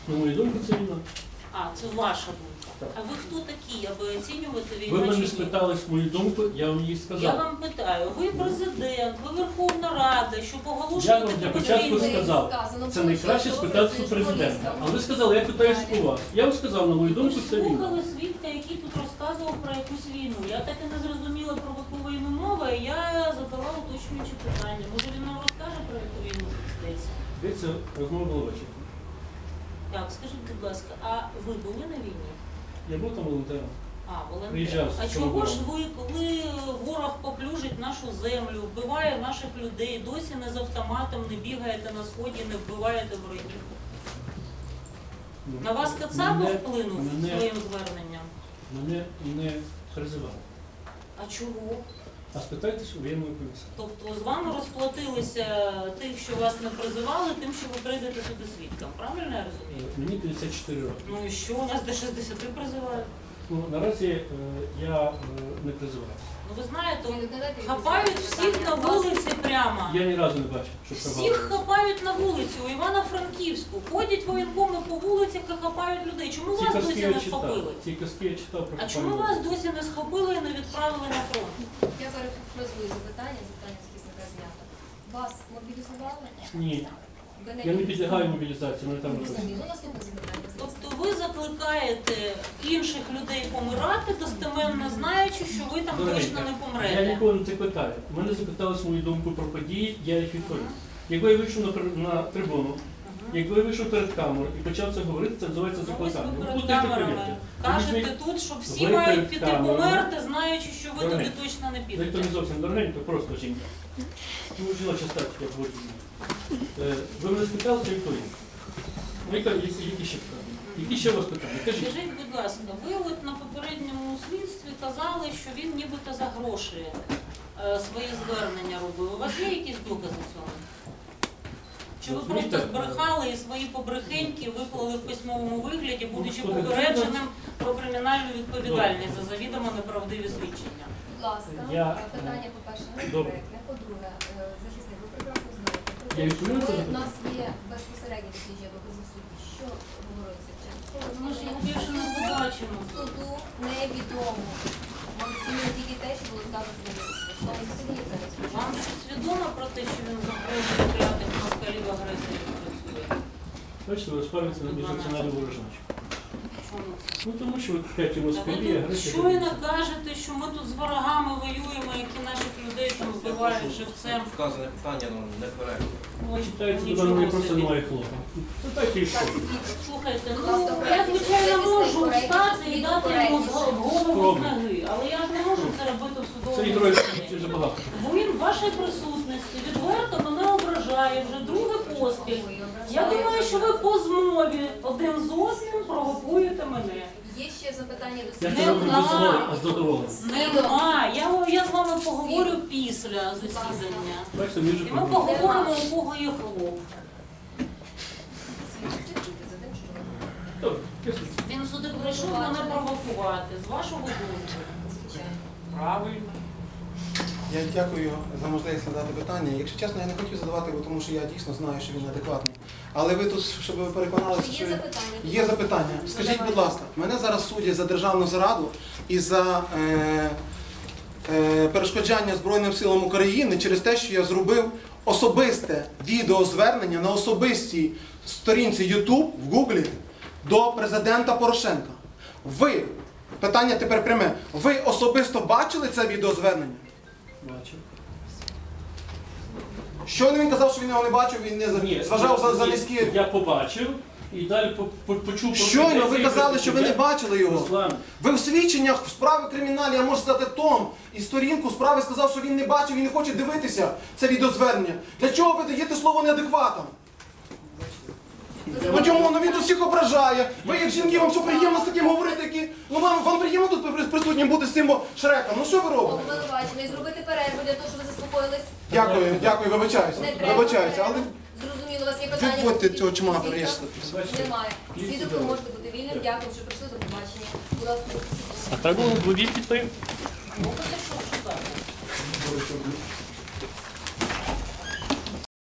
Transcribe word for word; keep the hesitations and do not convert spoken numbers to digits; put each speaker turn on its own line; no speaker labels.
На мою думку, це війна.
А, це ваша думка.
Так.
А ви хто такі, аби оцінювати
Ви
війну чи
мене
ні?
спитали мою думку, я вам її
Я
сказав.
вам питаю, ви президент, ви Верховна Рада, щоб
Я
оголошувати
вам для
про
початку
війну.
сказав, це найкраще спитатися у президента. Але ви сказали, я питаюсь у вас. Я вам сказав, на мою
Ви
думку,
ж
це війна.
слухали свідка, який тут розказував про якусь війну. Я так і не зрозуміла, про яку війну мова, і я задала уточнюючі питання. Може він нам розкаже, про яку війну йдеться?
Дивіться, розмова була ввечері.
Так, скажіть, будь ласка, а ви були на війні?
Я був там волонтером.
А, волонтер.
Приїжджав з
А
цього
чого ж
року.
ви, коли ворог поплюжить нашу землю, вбиває наших людей, досі не з автоматом, не бігаєте на сході, не вбиваєте ворогів?
Ну,
На вас Кацапов
мене-
вплинув
мене-
своїм зверненням?
Мене не призивали.
А чого?
А спитайтесь у воєнного комісара.
Тобто з вами розплатилися тих, що вас не призивали, тим, що ви прийдете сюди свідком. Правильно я розумію?
Мені п'ятдесят чотири роки.
Ну і що, у нас до шістдесяти призивають?
Ну, наразі е, я е, не призиваю.
Ну ви знаєте, хапають всіх на вулиці прямо.
Я ні разу не бачив, що
Всіх
призивали.
хапають на вулиці, у Івано-Франківську. Ходять воєнкоми по вулицях і хапають людей. Чому
Ці
вас
казки
досі
я
не
читав.
схопили?
Ці казки я читав про
А чому
копання.
вас досі не схопили і не відправили на фронт?
Я перефразую запитання, запитання з захисника знято. Вас мобілізували?
Ні.
Ви
Я не підлягаю мобілізації, мене там не
Зрозуміло.
просить.
Ну, наступне запитання.
Тобто ви закликаєте інших людей помирати, достеменно знаючи, що ви там
Дорогенька,
точно не
Я
помрете.
ніколи не це питаю. Мене запитали мою думку про події, я їх відповів. Якби я вийшов на, при- на трибуну, якби я вийшов перед камерою і почав це говорити, це називається
Ну, ось
закликання.
ви
Ви
перед
будете
камерами
повірте.
кажете
Візьміть-
тут, що всі
ви
мають
перед
піти
камерами.
померти, знаючи, що ви туди
Дорогенька,
точно не
Ви то
підете.
не зовсім дорогенько, просто жінка. Ну, жіноча статика, як говорить. Е, Ви мене спитали, чи відповім? Ну, яка- які, які ще питання? Які ще у вас питання? Кажіть.
Скажіть, будь ласка, ви от на попередньому слідстві казали, що він нібито за гроші е, свої звернення робив. У вас є якісь докази цього? Чи ви
Розумієте,
просто збрехали і свої побрехеньки виклали в письмовому вигляді, будучи
Ну, що ви,
попередженим про кримінальну відповідальність за завідомо неправдиві свідчення?
Будь ласка,
Я-
питання, по-перше, не
Добре.
коректне. По-друге, е, захисник, ви прекрасно знаєте, про
Я
те, що
відповім на це
ми- у
запитання?
нас є безпосередні дослідження докази в суді. Що говориться в чому?
Ми ж його більше не побачимо.
Суду невідомо. Ми оцінюємо тільки те, що було сказано з ним. Саме засідання це не служить.
Вам щось відомо про те, що він запрошує п'ятих москалів агресорів працює?
Бачите, ви розправиться на міжнаціональну ворожнечу.
Чому це?
Ну тому що ви п'яті
Та
москалі,
ви тут
агресія.
щойно кажете, що ми тут з ворогами воюємо, які наших людей там вбивають живцем.
Вказане питання ну, не коректно.
Ой,
Читається, до
нічого
мене просто
собі.
немає хлопа. Це так і що.
Слухайте,
Будь
ну
ласка,
я звичайно можу
коректність,
встати і дати йому з
коректність.
голову з
Спробуй.
ноги, але я ж не можу це робити в
Це
судовому
ігрою
засіданні.
дуже багато.
Бо він в вашій присутності відверто мене ображає вже друге поспіль. Я думаю, що ви по змові один з одним провокуєте мене.
Є ще запитання до
Я
Не
це роблю
знаю.
без задоволення, а з задоволенням.
Нема. Я, я з вами поговорю після засідання.
Бачите, між
І ми поговоримо, у кого є хлоп.
Добре, ясно.
Він сюди прийшов мене провокувати, з вашого дозволу.
Звичайно.
Правильно.
Я дякую за можливість задати питання. Якщо чесно, я не хотів задавати, бо тому що я дійсно знаю, що він адекватний. Але ви тут, щоб ви переконалися,
Є
що
запитання?
є запитання. Скажіть, будь ласка, мене зараз судять за державну зраду і за е, е, перешкоджання Збройним силам України через те, що я зробив особисте відеозвернення на особистій сторінці YouTube в Гуглі до президента Порошенка. Ви, питання тепер пряме, ви особисто бачили це відеозвернення?
Бачу.
Щойно він казав, що він його не бачив, він не
Ні,
зважав за, за
ні,
низькі.
Я побачив і далі по- по- почув про
Щойно ви
претензії
казали,
проти
що ви не
себе.
бачили його.
Руслан,
Ви в свідченнях в справі кримінальній, я можу сказати, том і сторінку справи сказав, що він не бачив і не хоче дивитися це відеозвернення. Для чого ви даєте слово неадекватам? Ну чому? Ну він тут всіх ображає. Ви як жінки, вам що приємно з таким говорити, які... Ну вам, вам приємно тут при- присутнім бути з цим о, Шреком. Ну що ви робите?
Обвинувачений, зробити перерву для того, щоб ви заспокоїлись.
Дякую, дякую, вибачаюся.
Не треба.
Вибачаюся, але
Зрозуміло, у вас є питання.
відводьте
по
цього
суті,
чмака,
свідка?
решта.
Немає.
Є
Свідок, ви
судове.
можете бути вільним. Дякую, що прийшли до побачення. Будь ласка,
а треба було дві підтримки.
Ну, так що шукати?